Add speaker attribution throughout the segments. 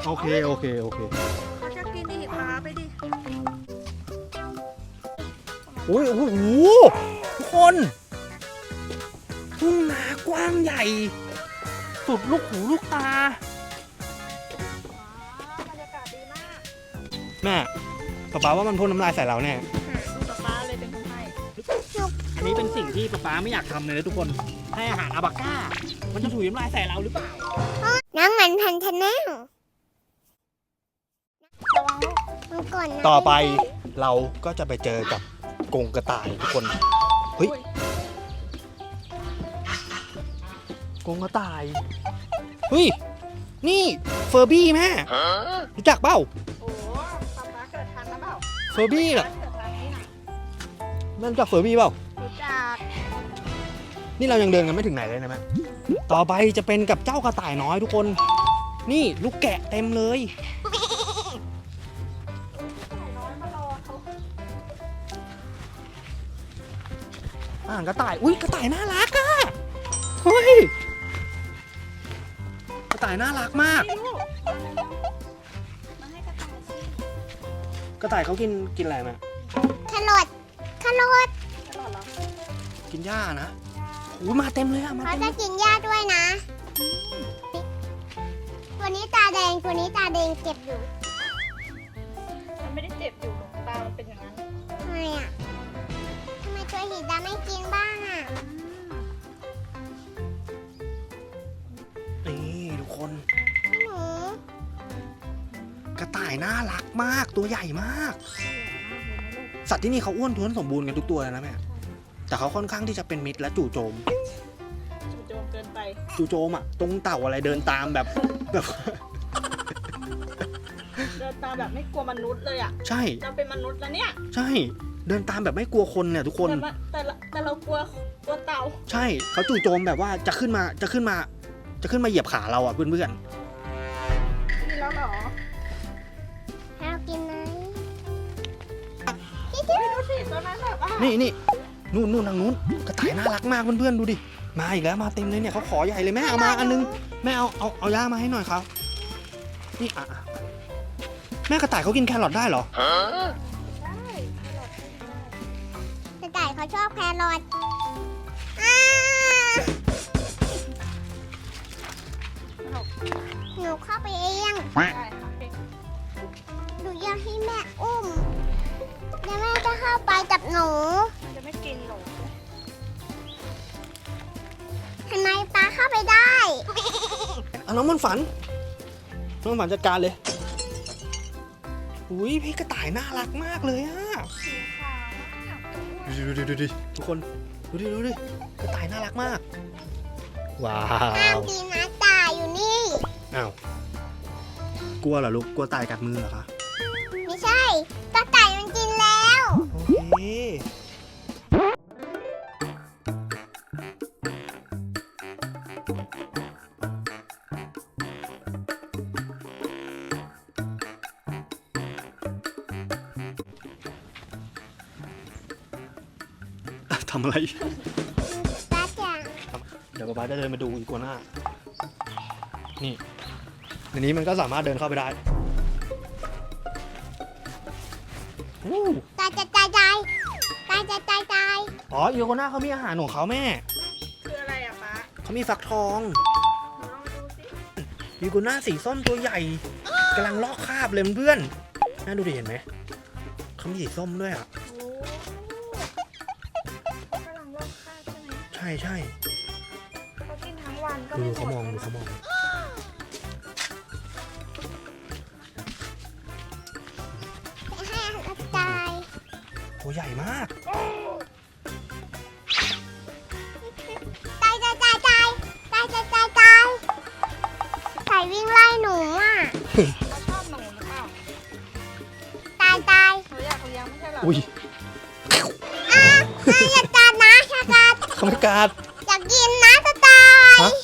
Speaker 1: โอเค
Speaker 2: เขาจะกินดิปลาไปดิ
Speaker 1: โอ้โหทุกคนทุ่งนากว้างใหญ่สุดลูกหูลูกตา
Speaker 2: บรรยากาศดีมาก
Speaker 1: แม่ป๊าว่ามันพ่นน้ำลายใส่เราแน่
Speaker 2: ดูป๊าเลยเป็นคนให้
Speaker 1: อันนี้เป็นสิ่งที่ป๊าไม่อยากทำเลยนะทุกคนให้อาหารอาบาก้ามันจะถุยน้ำลายใส่เราหรือเปล่า
Speaker 3: น้ำมันพันธนาระวังมันก่อนนะ
Speaker 1: ต่อไปเราก็จะไปเจอกับกรงกระต่ายทุกคนเฮ้ยกรงกระต่ายเฮ้ยนี่เฟอร์บี้แม่รู้จักเปล่า
Speaker 2: โอ้ป๊าเกิดทันนะเปล่า
Speaker 1: เฟอร์บี้เหรอ
Speaker 2: เกิดทันนี่นะ
Speaker 1: นั่นรู้จักเฟอร์บี้เปล่า
Speaker 2: รู้จัก
Speaker 1: นี่เรายังเดินกันไม่ถึงไหนเลยนะแม่ต่อไปจะเป็นกับเจ้ากระต่ายน้อยทุกคน นี่ลูกแกะเต็มเลย
Speaker 2: น้อยมารอเขา
Speaker 1: กระต่ายอุ้ยกระต่ายน่ารักอะเฮ้ยกระต่ายน่ารักมาก
Speaker 2: ลูกมาให้กระต่ายสิ
Speaker 1: กระต่ายเขากินอะไรแม่
Speaker 3: แครอท
Speaker 2: ตลอดเหรอ
Speaker 1: กินหญ้านะอุ้ยมาเต็มเลยอะมา
Speaker 3: เขา
Speaker 1: เต็ม
Speaker 3: จะกินหญ้าด้วยนะ ตัวนี้ตาแดง ตัวนี้ตาแดงเจ็บอยู่
Speaker 2: มันไม่ได้เจ็บอยู่หรอกตามันเป็นอย่างนั้น
Speaker 3: ทำไมอ่ะทำไมตัวสีดำไม่กินบ้างอ่ะ
Speaker 1: นี่ทุกคน
Speaker 3: หนู
Speaker 1: กระต่ายน่ารักมากตัวใหญ่มาก สัตว์ที่นี่เขาอ้วนท้วนสมบูรณ์กันทุกตัวเลยนะแม่แต่เขาค่อนข้างที่จะเป็นมิตรและจู่โจม
Speaker 2: จู่โจมเกินไป
Speaker 1: จู่โจมอะตรงเต่าอะไรเดินตามแบบ
Speaker 2: เดินตามแบบไม่กลัวมนุษย์เลยอ่ะ
Speaker 1: ใช่
Speaker 2: เราเป็นมนุษย์แล้วเนี่ย
Speaker 1: ใช่เดินตามแบบไม่กลัวคนเนี่ยทุกคน
Speaker 2: แต่เรากลัวเต่า
Speaker 1: ใช่เขาจู่โจมแบบว่าจะขึ้นมาเหยียบขาเราอะเพื่อน
Speaker 2: กินแล้วเหรอ
Speaker 3: ให้เรากินไหม
Speaker 2: ดูสิตอนนั้นแบบว่า
Speaker 1: ๆนี่นู่นทางนู้นกระต่ายน่ารักมากเพื่อนๆดูดิมาอีกแล้วมาเต็มเลยเนี่ยเขาขอใหญ่เลยแม่เอามาอันนึงแม่เอาย่ามาให้หน่อยครับนี่อ่ะแม่กระต่ายเขากินแครอทได้เหรอ
Speaker 2: ได้
Speaker 3: กระต่ายเขาชอบแครอทหนูเข้าไปเอง
Speaker 2: ได้ค่ะ
Speaker 3: หนูอยากให้แม่อุ้มแล้วแม่จะเข้าไปกับหนู
Speaker 2: มันจะไม่กินหรอก
Speaker 3: ทำไมปลาเข้าไปได้
Speaker 1: เอาน้องมันฝันจัดการเลยอุ้ยพี่กระต่ายน่ารักมากเลยอะ
Speaker 2: สีขาวมาก
Speaker 1: ดูดิทุกคนดูดิกระต่ายน่ารักมากว้า
Speaker 3: ห้าม
Speaker 1: ว
Speaker 3: กินนะตายอยู่นี่
Speaker 1: อ้าวกลัวเหรอลูกกลัวตายกัดมือเหรอคะ
Speaker 3: ไม่ใช่กระต่ายมันกินแล้ว
Speaker 1: โอเคทำอะไร
Speaker 3: ป้าจ๋า
Speaker 1: เดี๋ยวป๊าจะเดินมาดูอีกัวน่านี่ในนี้มันก็สามารถเดินเข้าไปได้อู้
Speaker 3: ตายจะตายตายตายจะตายตาย
Speaker 1: อ๋ออีกัวน่าเขามีอาหารของเขาแม่
Speaker 2: คืออะไรอะป๊า
Speaker 1: เขามีฟักทอง
Speaker 2: ลองดูสิ
Speaker 1: อีกัวน่าสีส้มตัวใหญ่กำลังลอกคราบเลยเพื่อนน่าดูดิเห็นไหมเขามีสีส้มด้วยอ่ะ
Speaker 2: โอ้กำลังลอกคราบใช่ไหม
Speaker 1: ใช่
Speaker 2: เขากินทั้งวันก็
Speaker 1: ดู
Speaker 2: ไม่หม
Speaker 1: เขา
Speaker 2: ด
Speaker 1: มอง
Speaker 2: เลย
Speaker 1: ดูเขามอง
Speaker 3: ให้อาหารตาย
Speaker 1: ตัวใหญ่มาก
Speaker 3: ตายตายตายตายตายตายตายตายไก่วิ่งไล่หนูอ่ะ
Speaker 2: เขาชอบหนูหรือเปล่า
Speaker 3: ตายตาย
Speaker 2: เขาอยากเลี้ยงไม่ใช่เหรอ
Speaker 1: อุ้ย
Speaker 3: อย่ากัดนะอย่ากัด
Speaker 1: เขาไม่กล้า
Speaker 3: อยากกินนะจะตาย
Speaker 1: ฮะ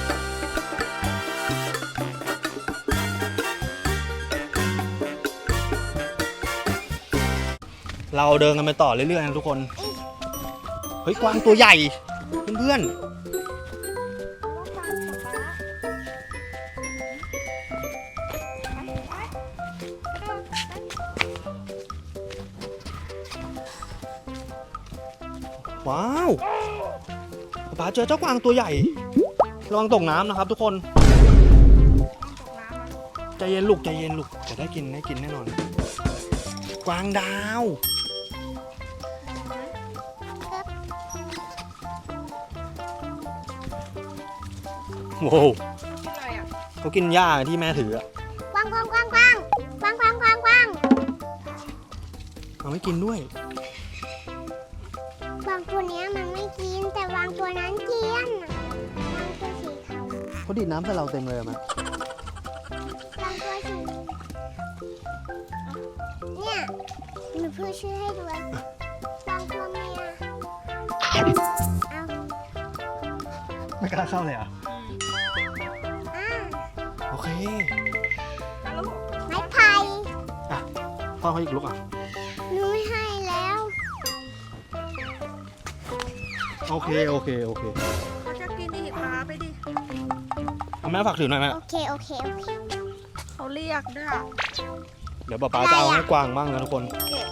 Speaker 1: เราเดินกันไปต่อเรื่อยๆนะทุกคน เฮ้ยกวางตัวใหญ่ เพื่อน
Speaker 2: เขาต้องการป๊าป๊า
Speaker 1: ว้าวป๊าเจอเจ้ากวางตัวใหญ่ระวังตกน้ำนะครับทุกคน
Speaker 2: ต้องตกน้ำอ่ะ
Speaker 1: ใจเย็นลูกใจเย็นลูกจะได้กินแน่นอน กวางดาวโว้ว
Speaker 2: ที่อะไรอ่ะ
Speaker 1: เขากินหญ้าที่แม่ถืออะ
Speaker 3: กวางกวางกวางกวางกวางกวางกวางกวาง
Speaker 1: เอาไม่กินด้วย
Speaker 3: กวางตัวเนี้ยมันไม่กินแต่กวางตัวนั้นกินกวางตัวสีขาว
Speaker 1: เขาดีดน้ำใส่เราเต็มเลยอะแม่
Speaker 3: กวางตัวสีเนี่ยหนูพูดชื่อให้ดูกวางตัวเมียเอา
Speaker 1: ไม่กล้าเข้าเลยอ่ะ
Speaker 3: อ่า
Speaker 1: โอเค
Speaker 2: แล้วลูก
Speaker 3: ไม้ไผ่
Speaker 1: พ่อเขาอีกลูกอ่ะ
Speaker 3: หนูไม่ให้แล้ว
Speaker 1: โอเค
Speaker 2: เขาจะกินดิพาไปดิ
Speaker 1: เอาแม่ฝากถือหน่อยแม่
Speaker 3: โอเคโอเคโอเค
Speaker 2: เขาเรียกด้วย
Speaker 1: เดี๋ยวป๊าจะเอาให้กวางบ้างนะทุกคน
Speaker 2: เก็บ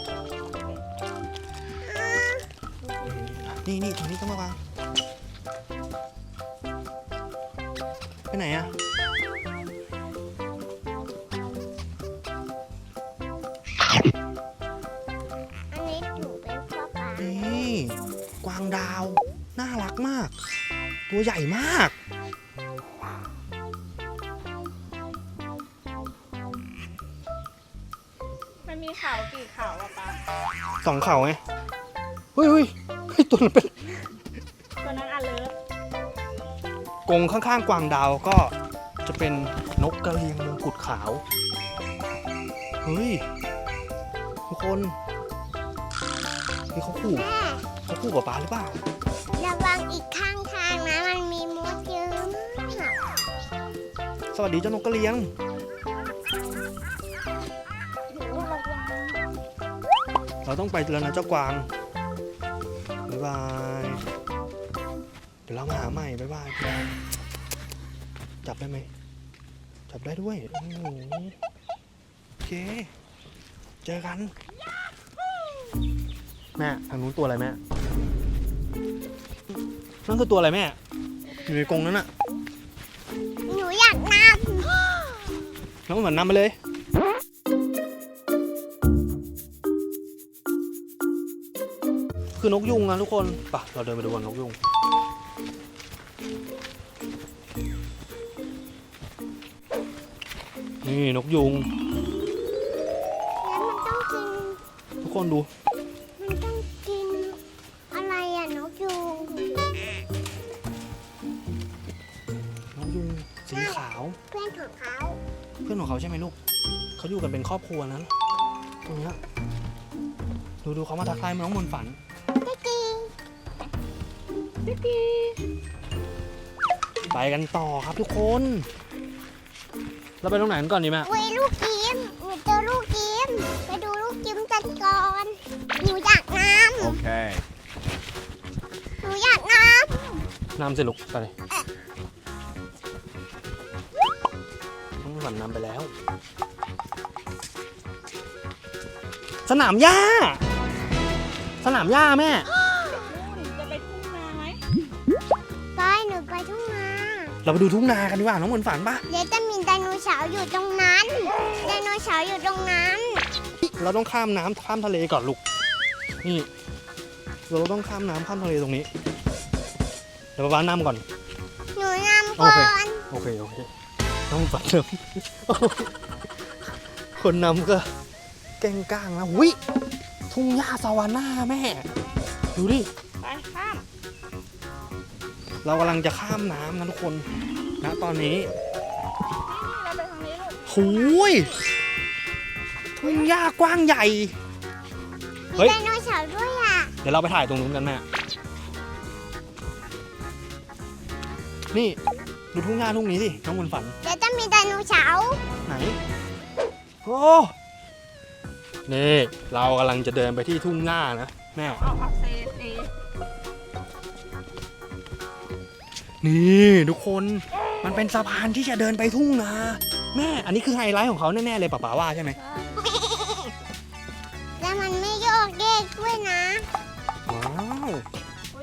Speaker 1: นี่ตรงนี้ต้องมาวางไปไหนอะ
Speaker 3: อันนี้หนูเป็นพ่อปลา
Speaker 1: นี่กวางดาวน่ารักมาก ตัวใหญ่มาก
Speaker 2: มันมีเขากี่เขาอ่ะปะ
Speaker 1: สองเข่าไงเฮ้ยตัวนั้นเป็น
Speaker 2: ตัวนั้นอันเลิศ
Speaker 1: กรงข้างๆกวางดาวก็จะเป็นนกกระเรียงมงกุฎขาว เฮ้ยทุกคนนี่เขาขู่
Speaker 3: แม่
Speaker 1: กับป๊าหรือเปล่า
Speaker 3: ระวังอีกข้างทางนะมันมีมดเยอะมาก
Speaker 1: สวัสดีเจ้านกกระเรียง
Speaker 3: หนูระวัง
Speaker 1: เราต้องไปแล้วนะเจ้ากวางบ๊ายบายเดี๋ยวเรามาหาใหม่บ๊ายบายจับได้ไหมจับได้ด้วยโอ้โหโอเคเจอกันแม่ทางนู้นตัวอะไรแม่นั่นคือตัวอะไรแม่อยู่ในกรงนั้นน่ะ
Speaker 3: หนูอยากน
Speaker 1: น้องเหมือนนำไปเลยคือนกยุงนะทุกคนไปะเราเดินไปดูกันนกยุงนี่นกยุง
Speaker 3: ำแล้วมันต้องกิน
Speaker 1: ทุกคนดู
Speaker 3: มันต้องกินอะไรอ่ะนกยูง
Speaker 1: นกยุงสีขาว
Speaker 3: เพื่อนของเขา
Speaker 1: เพื่อนของเขาใช่ไหมลูกเขาอยู่กันเป็นครอบครัวนั้นตรงเนี้ยดูเขามาทักทายน้องมนต์ฝัน
Speaker 3: ได้กี
Speaker 1: ไปกันต่อครับทุกคน เราไปตรงไหนกันก่อนดีแม่
Speaker 3: เว้ยลูกกิมหนูเจอลูกกิมไปดูลูกกิมกันก่อนหนูอยากน้
Speaker 4: Okay.
Speaker 3: ำหนูอยากน้
Speaker 1: นำสิลูกไปเลยน้องมนต์ฝันนำไปแล้ว สนามหญ้าแม่
Speaker 2: จะไปทุ่งนาไหม
Speaker 3: ำไปหนูไปทุ่งนา
Speaker 1: เราไปดูทุ่งนากันดีกว่าน้องมนต์ฝันปะ
Speaker 3: เดี๋ยวจะมีไดโนเสาร์อยู่ตรงนั้นไดโนเสาร์อยู่ตรงนั้น
Speaker 1: เราต้องข้ามน้ำข้ามทะเลก่อนลูกนี่เราต้องข้ามน้ำข้ามทะเลตรงนี้เดี๋ยวป๊าน้ำก่อน
Speaker 3: หนูนำก่อน
Speaker 1: โอเคน้องฝันนำ คนนำก็แกล้งก้างนะวิทุ่งหญ้าซาวาน่าแม่ ดูดิ
Speaker 2: ไปข้าม
Speaker 1: เรากำลังจะข้ามน้ำนะทุกคนนะตอนนี้
Speaker 2: เราไปทางนี้ลูก
Speaker 1: หูยทุ่งหญ้ากว้างใหญ่
Speaker 3: มี
Speaker 1: เฮ้ย
Speaker 3: ไดโนเสาร์ด้วยอ่ะ
Speaker 1: เดี๋ยวเราไปถ่ายตรงนู้นกันแม่ นี่ดูทุ่งหญ้าทุ่งนี้สิน้องมนต์ฝัน
Speaker 3: เดี๋ยวจะมีไดโนเสาร์
Speaker 1: ไหน โอ้ นี่เรากำลังจะเดินไปที่ทุ่งหญ้านะแม่
Speaker 2: เอาเซเอ
Speaker 1: นี่ทุกคน มันเป็นสะพานที่จะเดินไปทุ่งนา แม่ อันนี้คือไฮไลท์ของเขาแน่ๆเลยป๋าว่าใช่ไหม
Speaker 3: แล้วมันไม่โยกเยกด้วยนะ
Speaker 1: ว้าว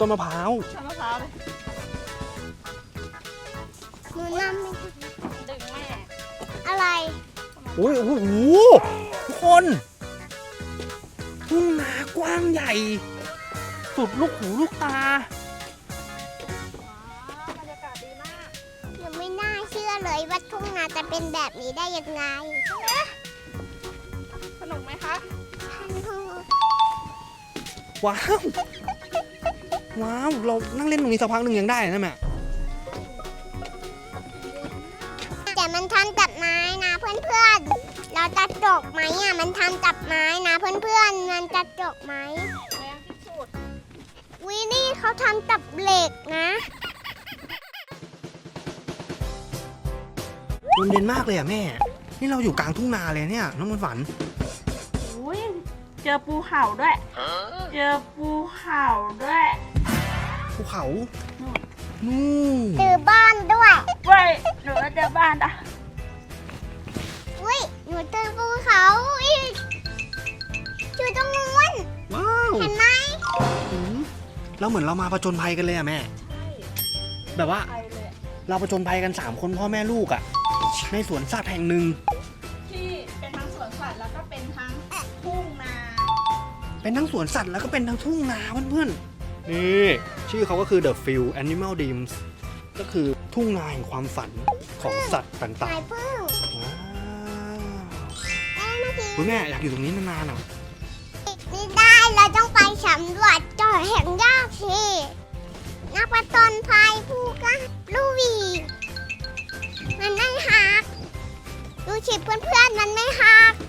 Speaker 1: ต้นมะพร้าว
Speaker 2: ทำมะพร้าวเลย
Speaker 3: หนูนำไป
Speaker 2: ดึงแม่
Speaker 3: อะไร
Speaker 1: โอ้ยโอ้โหทุกคน ทุ่งนากว้างใหญ่ สุดลูกหูลูกตา
Speaker 2: บรรยากาศดีมาก
Speaker 3: หนูไม่น่าเชื่อเลยว่าทุ่งนาจะเป็นแบบนี้ได้ยังไง
Speaker 2: สนุกไหมคะ
Speaker 1: ว้าว ว้าว เรานั่งเล่นตรงนี้สักพักหนึ่งยังได้นะแม่
Speaker 3: แต่มันทำจากไม้นะเพื่อนๆ เราจะจกไหมอ่ะมันทำจากไม้นะเพื่อนๆ มันจะจกไหม
Speaker 2: แรงที่สุด
Speaker 3: วินี่เขาทำจากเหล็กนะ
Speaker 1: ลมเย็นมากเลยอ่ะแม่ นี่เราอยู่กลางทุ่งนาเลยเนี่ยน้องมันฝัน
Speaker 2: อุ้ยเจอปูเห่าด้วย เจอปูเห่าด้วย
Speaker 1: ภูเขา นู่น
Speaker 3: ตือบ้านด้วย
Speaker 2: เว้ยหนูจะเจอบ้านอ่ะ
Speaker 3: อุ้ยหนูตือภูเขาอีกอยู่ตรงนู้น
Speaker 1: ว้าว
Speaker 3: เห็นไหม
Speaker 1: อืมเราเหมือนเรามาผจญภัยกันเลยอ่ะแม่
Speaker 2: ใช่
Speaker 1: แบบว่า
Speaker 2: ไปเลยอะ
Speaker 1: เราผจญภัยกัน3คนพ่อแม่ลูกอ่ะ ในสวนสัตว์แห่งหนึ่ง
Speaker 2: ที่เป็นทั้งสวนสัตว์แล้วก็เป็นทั้งทุ่งนา
Speaker 1: เป็นทั้งสวนสัตว์แล้วก็เป็นทั้งทุ่งนาเพื่อนๆ นี่ชื่อเขาก็คือ The Field Animal Dreams ก็คือทุ่งนาแห่งความฝันของสัตว์ต่าง
Speaker 3: สายพึ่ง
Speaker 1: ๆ ว้าว
Speaker 3: เมื่อกี้
Speaker 1: คุณแม่อยากอยู่ตรงนี้นานๆอ่ะ
Speaker 3: นี่ได้เราต้องไปสำรวจเจาะแห่งยากสินักประจนภัยผู้กล้าลูวีมันไม่หักดูสิเพื่อนๆมันไม่หัก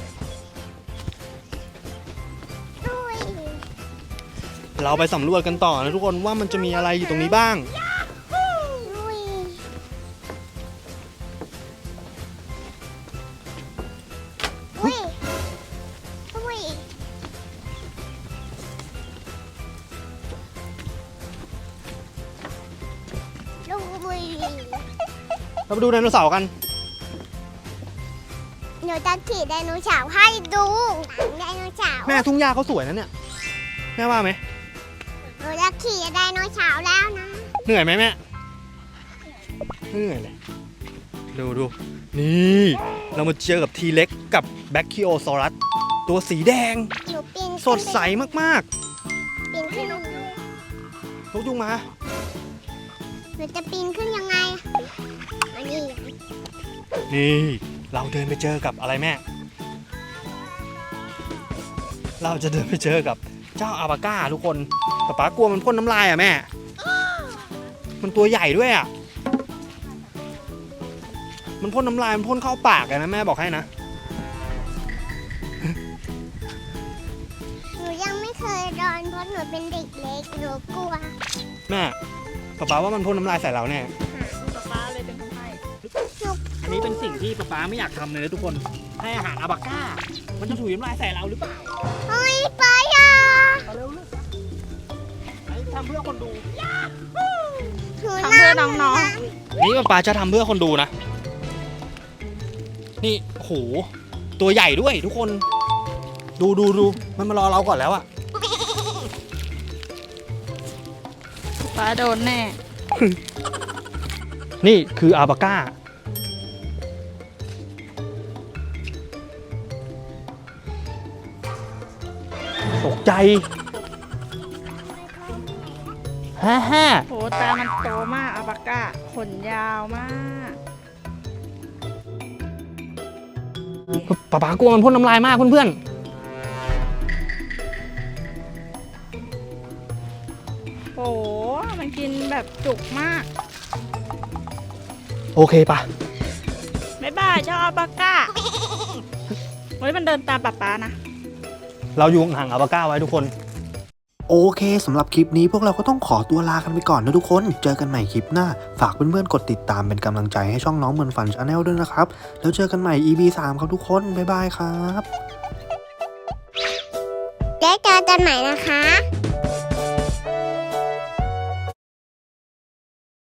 Speaker 3: ดุย
Speaker 1: เราไปสำรวจกันต่อนะทุกคนว่ามันจะมีอะไรอยู่ตรงนี้บ้าง
Speaker 3: ดุยดุยดุยดุย
Speaker 1: เราไปดูไดโนเสาร์กัน
Speaker 3: หนูจะขี่ไดโนเสาร์ให้ดูหนังไดโนเสาร์
Speaker 1: แม่ทุ่งหญ้าเขาสวยนะเนี่ย แม่ว่าไหม
Speaker 3: หนูจะขี่ไดโนเสาร์แล้วนะ
Speaker 1: เหนื่อยไหมแม่ไม่เหนื่อยเลย ดู นี่ เรามาเจอกับทีเล็กกับแบคคิโอซอรัสตัวสีแดง
Speaker 3: หนูปีน
Speaker 1: สดใสมาก
Speaker 3: ปีนขึ้น
Speaker 1: ๆนกยุงมา
Speaker 3: หนูจะปีนขึ้นยังไงอันนี้
Speaker 1: นี่ เราเดินไปเจอกับอะไรแม่ เราจะเดินไปเจอกับเจ้าอาบาก้าทุกคนแต่ป๊ากลัวมันพ่นน้ำลายอ่ะแม่ มันตัวใหญ่ด้วยอ่ะ มันพ่นน้ำลายมันพ่นเข้าปากเลยนะแม่บอกให้นะ
Speaker 3: หนูยังไม่เคยโดนเพราะหนูเป็นเด็กเล็กหนูกลัว
Speaker 1: แม่ป๊าว่ามันพ่นน้ำลายใส่เราแน่
Speaker 2: ป๊าเลยเป็นคนให้
Speaker 1: อันนี้เป็นสิ่งที่ป๊าไม่อยากทำเลยนะทุกคน ให้อาหารอาบาก้า มันจะถุยน้ำลายใส่เราหรือเปล่า
Speaker 3: เฮ้ยไปอ่ะ
Speaker 1: เอาเร็วลูกไปทำเพื่อคนดู
Speaker 3: หนู
Speaker 2: ทำเพื่อน้อง
Speaker 1: นี่ป๊าจะทำเพื่อคนดูนะ นี่โหตัวใหญ่ด้วยทุกคน ดูมันมารอเราก่อนแล้วอะ
Speaker 2: ป๊าโดนแน่
Speaker 1: นี่คืออาบาก้า ตกใจฮ่า
Speaker 2: โหตามันโตมากอาปาก้าขนยาวมาก
Speaker 1: ป๊ากลัวมันพ่นน้ำลายมากเพื่อน
Speaker 2: โหมันกินแบบจุกมาก
Speaker 1: ๆโอเคปะ
Speaker 2: บ๊ายบายเจ้าอาปาก้าเฮ้ยมันเดินตามป๊านะ
Speaker 1: เราอยู่ห่างอาบาก้าไว้ทุกคน
Speaker 4: โอเคสำหรับคลิปนี้พวกเราก็ต้องขอตัวลากันไปก่อนนะทุกคน เจอกันใหม่คลิปหน้า ฝากเพื่อนๆกดติดตามเป็นกำลังใจให้ช่องน้องเหมือนฝันชาแนลด้วยนะครับ แล้วเจอกันใหม่ EP 3 ครับทุกคน บ๊ายบายครับ
Speaker 3: เจอกันใหม่นะคะ